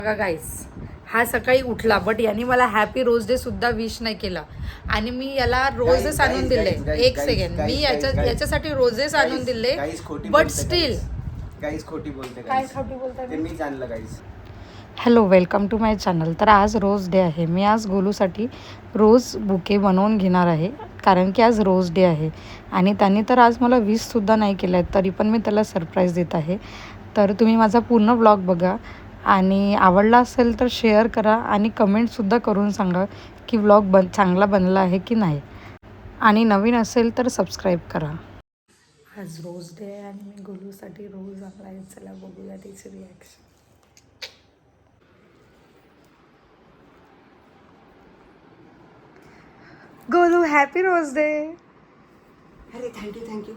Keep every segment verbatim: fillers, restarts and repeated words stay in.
बघा गाईस, हा सकाळी उठला बट यांनी मला हॅपी रोज डे सुद्धा विश नाही केला आणि मी याला रोजेस आणून दिले. एक सेकंड, मी याच्या याच्यासाठी रोजेस आणून दिले बट स्टील गाईस खोटी बोलते. काय खोटी बोलते ते मीच आणलं guys. Hello, welcome to my channel. तर आज रोज डे आहे. मी आज गोलूसाठी रोज बुके बनवून घेणार आहे कारण की आज रोज डे आहे आणि त्यांनी तर आज मला विशसुद्धा नाही केलं आहे, तरी पण मी त्याला सरप्राईज देत आहे. तर तुम्ही माझा पूर्ण व्लॉग बघा आणि आवडला असेल तर शेअर करा आणि कमेंटसुद्धा करून सांगा की व्लॉग बन चांगला बनला आहे की नाही, आणि नवीन असेल तर सबस्क्राईब करा. आज रोज डे आहे आणि मी गोलूसाठी रोज आणला आहे. चला बघूया तिची reaction. Golu, happy rose day. अरे थँक्यू थँक्यू.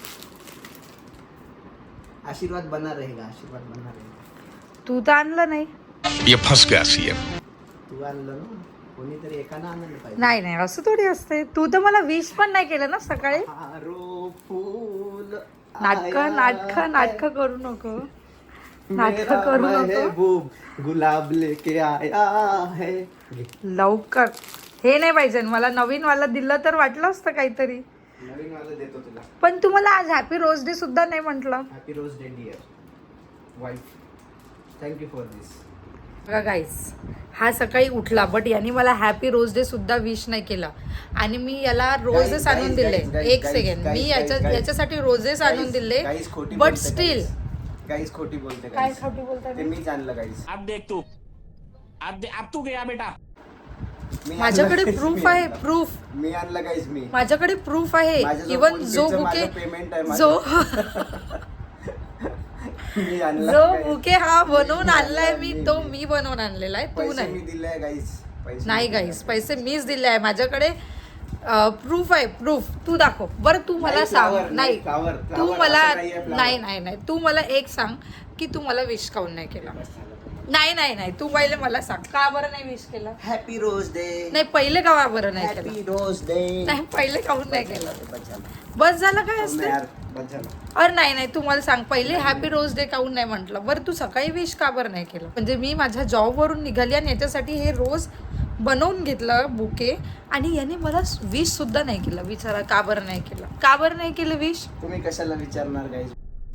आशीर्वाद बना रहेगा, आशीर्वाद बना रहेगा. तू तर आणलं नाही. ये फंस गया सीएम. तू आणलं ना, कोणीतरी एकानं आणलं पाहिजे. नाही नाही, असं थोडी असते. तू तर मला विश पण नाही केलं ना सकाळी. हारो फूल नाटक नाटक नाटक करू नको, नाटक मेरा करू नको. महबूब गुलाब लेके आया है. लवकर. हे नाही पाहिजे मला. नवीन वाला दिलं तर वाटलं असतं काहीतरी. नवीन वाला देतो तुला. पण तुम्हाला आज हॅपी रोज डे सुद्धा नाही म्हटलं. Happy rose day dear wife. Thank you for this. बघा गाईस, हा सकाळी उठला बट यांनी मला हॅपी रोज डे सुद्धा विश नाही केला आणि मी याला रोजेस Guys, आणून guys, दिले. guys, एक guys, सेकंड, guys, मी guys, याच्या guys. याच्यासाठी रोजेस आणून दिले गाईस खोटी बट बोलते स्टील. गाईस खोटी बोलते. काय गाईस खोटी बोलताय? ते मीच आणलं गाईस. अब देख तू अब दे, अब तू गया बेटा. मी माझ्याकडे आणलं guys, प्रूफ मी आहे. आणलं. प्रूफ मी आणलं गाईस. मी माझ्याकडे प्रूफ आहे. माझ्याजवळ इवन फोन जो पेचं बुके माझं पेमेंट आहे माझं. जो मी आणलं जो guys. बुके हा बनवून मी आणलाय आणलं, मी, मी- तो मी. मी बनवून आणलेला आहे, तू पैसे मी नाही. दिले गाईस. पैसे नाही मी दिले. गाईस, पैसे मीच दिले आहे. माझ्याकडे प्रूफ आहे. प्रूफ तू दाखव बरं. तू मला नाही, सांग. flower, नाही, flower, तू flower, मला असं नाहीये flower. नाही नाही नाही तू मला एक सांग की तू मला विश काऊन नाही केला. बस झालं तुम्हाला. नाही नाही नाही तू पहिले मला सांग का बरं नाही विश केलं. Happy rose day. नाही, पहिले का बरं नाही केलं. Happy rose day. नाही, पहिले काऊन नाही केलं. बस झालं. बस झालं काय असते. यार, बस झालं. अरे नाही नाही, तू मला सांग पहिले हॅपी रोज डे काऊन नाही म्हटलं. बरं, तू सकाळी विश का बरं नाही केलं. म्हणजे मी माझ्या जॉबवरून निघाली आणि याच्यासाठी हे रोज बनवून घेतलं बुके आणि याने मला विश सुद्धा नाही केलं. विचारा का बरं नाही केलं. का बरं नाही केलं विश. तुम्ही कशाला विचारणार गाईस.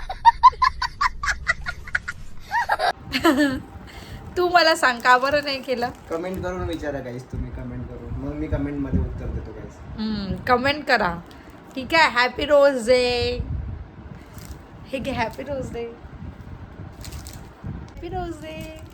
तू मला सांग का बरं नाही केलं. कमेंट करून विचारा गाईस. तुम्ही कमेंट करून, मग मी कमेंट मध्ये उत्तर देतो गाईस. कमेंट करा, ठीक आहे. Happy rose day. हे घे, happy rose day. Happy rose day.